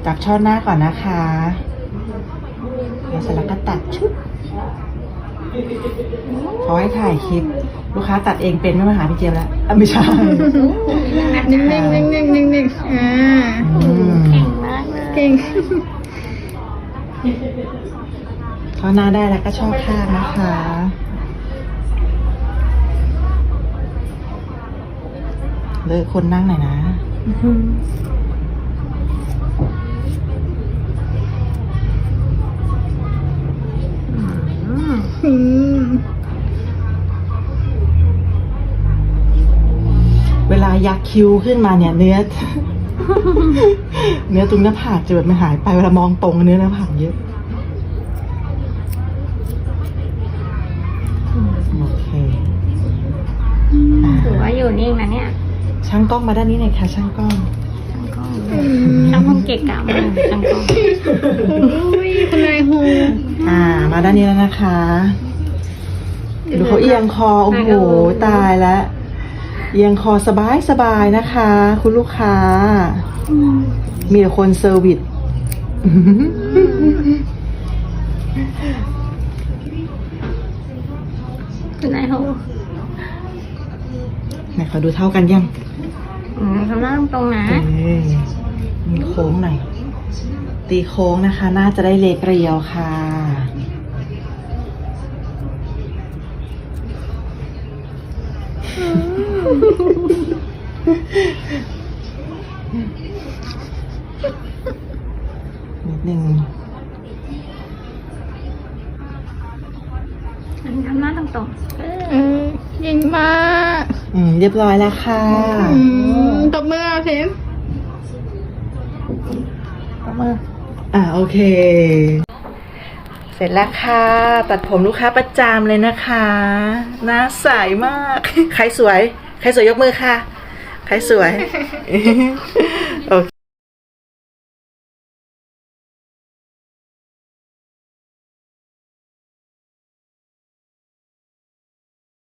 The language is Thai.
จับช่อหน้าก่อนนะคะแล้วเสร็จแล้วก็ตัดชุดเขาให้ถ่ายคลิปลูกค้าตัดเองเป็นไม่มาหาพี่เจี๊ยบแล้วไม่ใช่นิ่งๆนิ่งๆนิ่งๆเอ่าก่งมากเก่งช่อหน้าได้แล้วก็ช่อข้างนะคะเลิกคนนั่งหน่อยนะเวลายักคิ้วขึ้นมาเนี่ยเนื้อ เนื้อตรงหน้าผากจะแบบมันหายไปเวลามองตรงเนื้อหน้าผากเยอะโอเคถือว่าอยู่นิ่งนะเนี่ยช่างกล้องมาด้านนี้หน่อยค่ะช่างกล้องช่างคงเกะกะมากช่างกล้องอุ้ยคุณนายโฮมาด้านนี้แล้วนะคะดูเขาเอียงคอโอ้โหตายแล้วเอียงคอสบายนะคะ คุณลูกค้ามีแต่คนเซอร์วิสคุณนายโฮไหนขอดูเท่ากันยังทำหน้าตรงๆนะมีโค้งหน่อยตีโค้งนะคะ น่าจะได้เล็กเรียวค่ะนิดนึงทำหน้าตรงๆเก่งมากเรียบร้อยแล้วค่ะตบมือเอาสิโอเค เสร็จแล้วค่ะ ตัดผมลูกค้าประจำเลยนะคะหน้าใสมาก ใครสวย ใครสวยยกมือค่ะ ใครสวย โอ